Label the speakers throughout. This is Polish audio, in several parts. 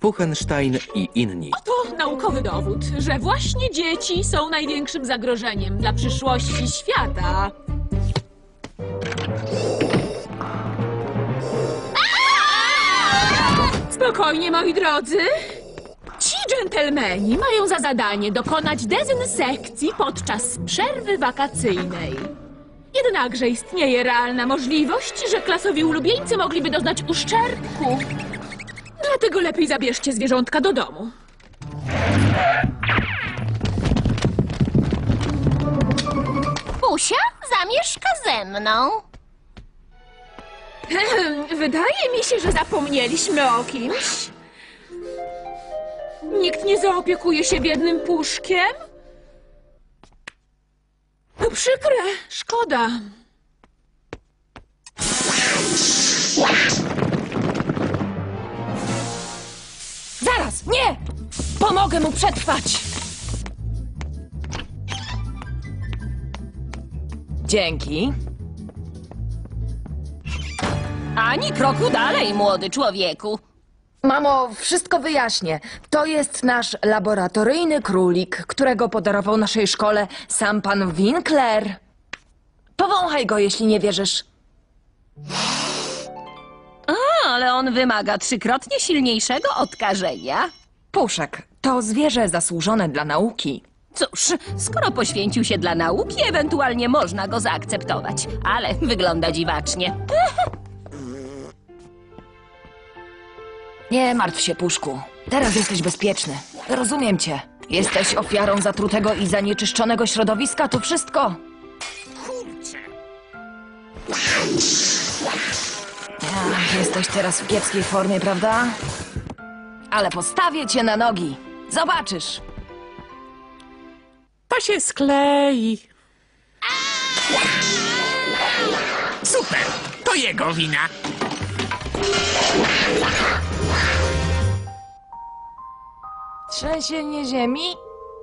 Speaker 1: Puchenstein i inni.
Speaker 2: To naukowy dowód, że właśnie dzieci są największym zagrożeniem dla przyszłości świata. Spokojnie, moi drodzy. Ci dżentelmeni mają za zadanie dokonać dezynsekcji podczas przerwy wakacyjnej. Jednakże istnieje realna możliwość, że klasowi ulubieńcy mogliby doznać uszczerbku. Dlatego lepiej zabierzcie zwierzątka do domu.
Speaker 3: Pusia zamieszka ze mną.
Speaker 2: Wydaje mi się, że zapomnieliśmy o kimś. Nikt nie zaopiekuje się biednym puszkiem? To przykre, szkoda.
Speaker 4: Zaraz, nie! Pomogę mu przetrwać! Dzięki.
Speaker 3: Ani kroku dalej, młody człowieku.
Speaker 4: Mamo, wszystko wyjaśnię. To jest nasz laboratoryjny królik, którego podarował naszej szkole sam pan Winkler. Powąchaj go, jeśli nie wierzysz.
Speaker 3: Ale on wymaga 3-krotnie silniejszego odkażenia.
Speaker 4: Puszek, to zwierzę zasłużone dla nauki.
Speaker 3: Cóż, skoro poświęcił się dla nauki, ewentualnie można go zaakceptować. Ale wygląda dziwacznie.
Speaker 4: Nie martw się, Puszku. Teraz jesteś bezpieczny. Rozumiem cię. Jesteś ofiarą zatrutego i zanieczyszczonego środowiska, to wszystko. Jesteś teraz w kiepskiej formie, prawda? Ale postawię cię na nogi. Zobaczysz.
Speaker 5: To się sklei. Super, to jego wina.
Speaker 4: Trzęsienie ziemi?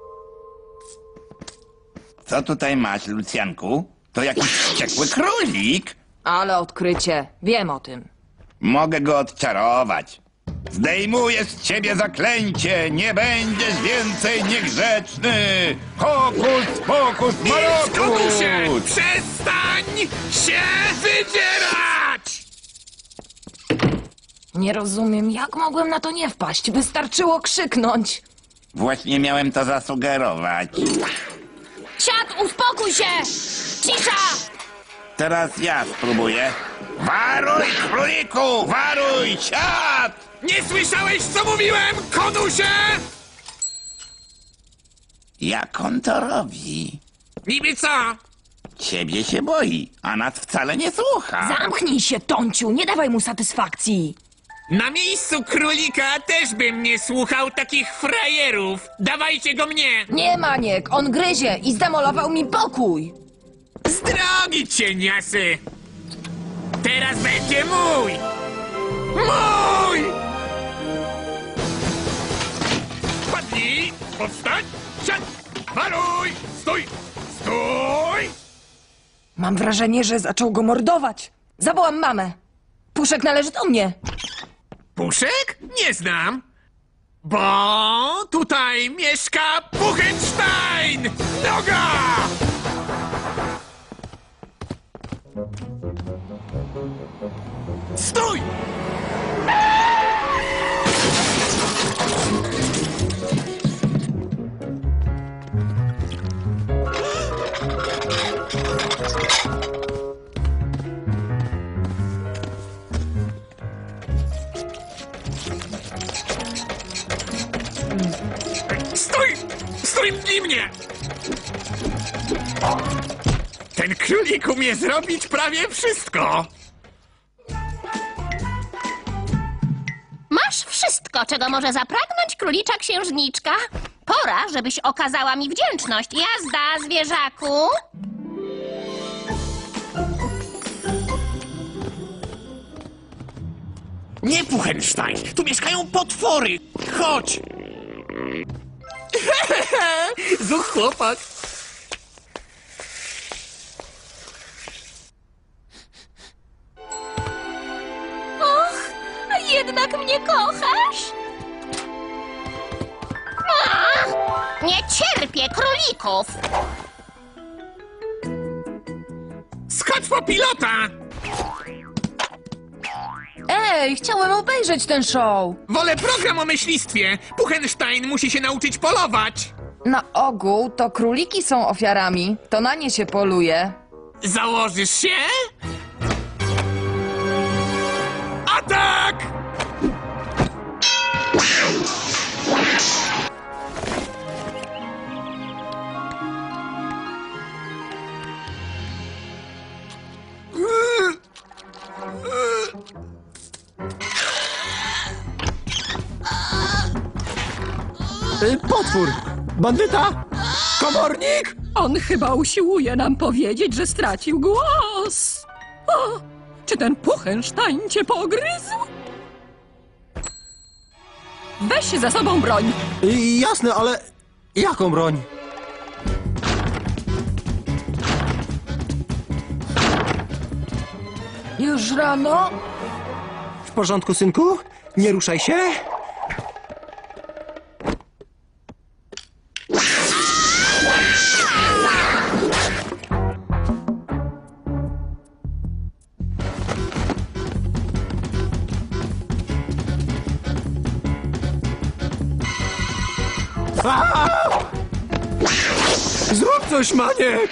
Speaker 6: Co tutaj masz, Lucjanku? To jakiś wściekły królik.
Speaker 4: Ale odkrycie. Wiem o tym.
Speaker 6: Mogę go odczarować. Zdejmuję z ciebie zaklęcie. Nie będziesz więcej niegrzeczny. Hokus pokus marokus.
Speaker 5: Przestań się wydzierać!
Speaker 4: Nie rozumiem, jak mogłem na to nie wpaść. Wystarczyło krzyknąć.
Speaker 6: Właśnie miałem to zasugerować.
Speaker 3: Siad, uspokój się! Cisza!
Speaker 6: Teraz ja spróbuję. Waruj, króliku! Waruj! Siad!
Speaker 5: Nie słyszałeś, co mówiłem, konusie?
Speaker 6: Jak on to robi?
Speaker 5: Niby co?
Speaker 6: Ciebie się boi, a nas wcale nie słucha.
Speaker 4: Zamknij się, Tonciu, nie dawaj mu satysfakcji.
Speaker 5: Na miejscu królika też bym nie słuchał takich frajerów. Dawajcie go mnie!
Speaker 4: Nie, Maniek, on gryzie i zdemolował mi pokój.
Speaker 5: Z drogi, cieniasy! Teraz będzie mój! Mój! Padnij! Powstań! Siad! Waruj! Stój! Stój!
Speaker 4: Mam wrażenie, że zaczął go mordować. Zawołam mamę. Puszek należy do mnie.
Speaker 5: Puszek? Nie znam. Bo tutaj mieszka Puchenstein! Noga! Stój! Stój! Stój mnie! Ten królik umie zrobić prawie wszystko.
Speaker 3: Masz wszystko, czego może zapragnąć królicza księżniczka. Pora, żebyś okazała mi wdzięczność. Jazda, zwierzaku!
Speaker 5: Nie, Puchenstein, tu mieszkają potwory. Chodź. Zuch chłopak.
Speaker 3: Och, a jednak mnie kochasz? królików.
Speaker 5: Skocz po pilota!
Speaker 4: Ej, chciałem obejrzeć ten show.
Speaker 5: Wolę program o myślistwie. Puchenstein musi się nauczyć polować.
Speaker 4: Na ogół to króliki są ofiarami. To na nie się poluje.
Speaker 5: Założysz się? Atak!
Speaker 1: Potwór! Bandyta! Komornik!
Speaker 7: On chyba usiłuje nam powiedzieć, że stracił głos. O, czy ten Puchenstein cię pogryzł? Weź za sobą broń.
Speaker 1: Jasne, ale jaką broń?
Speaker 4: Już rano?
Speaker 1: W porządku, synku? Nie ruszaj się. Zrób coś, Maniek!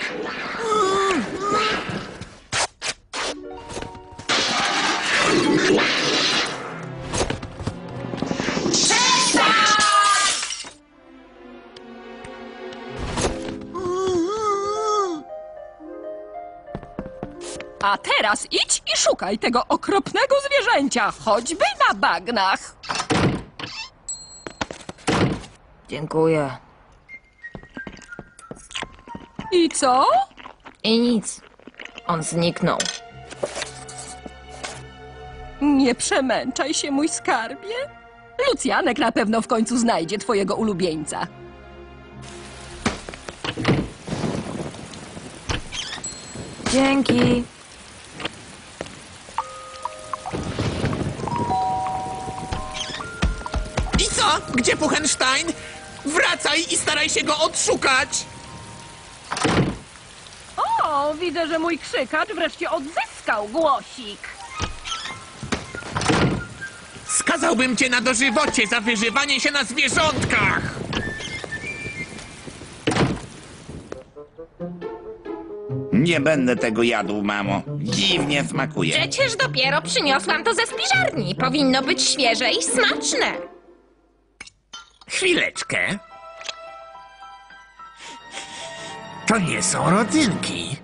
Speaker 7: A teraz idź i szukaj tego okropnego zwierzęcia, choćby na bagnach.
Speaker 4: Dziękuję.
Speaker 7: I co?
Speaker 4: I nic. On zniknął.
Speaker 7: Nie przemęczaj się, mój skarbie. Lucjanek na pewno w końcu znajdzie twojego ulubieńca.
Speaker 4: Dzięki.
Speaker 5: I co? Gdzie Puchenstein? Wracaj i staraj się go odszukać!
Speaker 7: O, widzę, że mój krzykacz wreszcie odzyskał głosik.
Speaker 5: Skazałbym cię na dożywocie za wyżywanie się na zwierzątkach!
Speaker 6: Nie będę tego jadł, mamo. Dziwnie smakuje.
Speaker 3: Przecież dopiero przyniosłam to ze spiżarni. Powinno być świeże i smaczne.
Speaker 5: Chwileczkę. To nie są rodzynki.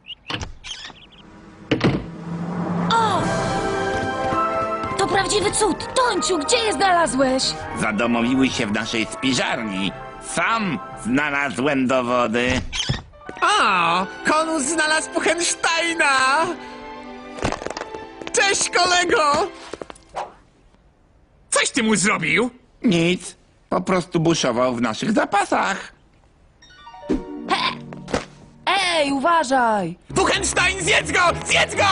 Speaker 4: To prawdziwy cud. Tońciu, gdzie je znalazłeś?
Speaker 6: Zadomowiły się w naszej spiżarni. Sam znalazłem dowody.
Speaker 5: O, Konus znalazł Puchensteina! Cześć, kolego! Coś ty mu zrobił?
Speaker 6: Nic. Po prostu buszował w naszych zapasach.
Speaker 4: Ej, uważaj!
Speaker 5: Puchenstein, zjedz go! Zjedz go!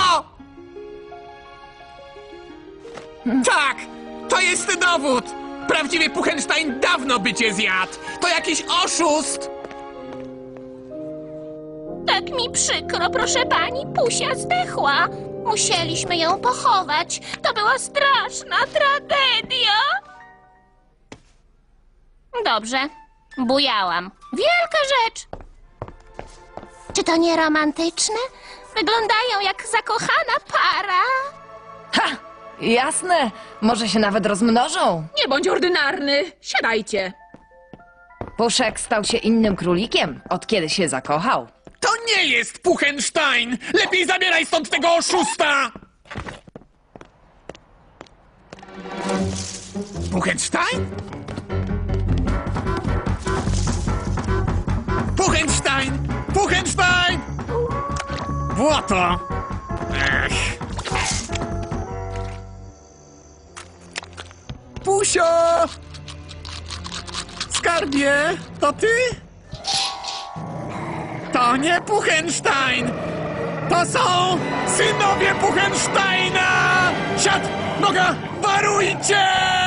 Speaker 5: Tak, to jest dowód! Prawdziwy Puchenstein dawno by cię zjadł! To jakiś oszust!
Speaker 3: Tak mi przykro, proszę pani. Pusia zdechła. Musieliśmy ją pochować. To była straszna tragedia. Dobrze, bujałam. Wielka rzecz. Czy to nie romantyczne? Wyglądają jak zakochana para.
Speaker 4: Ha! Jasne. Może się nawet rozmnożą.
Speaker 2: Nie bądź ordynarny. Siadajcie.
Speaker 4: Puszek stał się innym królikiem, od kiedy się zakochał.
Speaker 5: To nie jest Puchenstein! Lepiej zabieraj stąd tego oszusta! Puchenstein? Puchenstein! Puchenstein! Błoto! Ech. Pusio! Skarbie, to ty? To nie Puchenstein! To są synowie Puchensteina! Siad, noga, warujcie!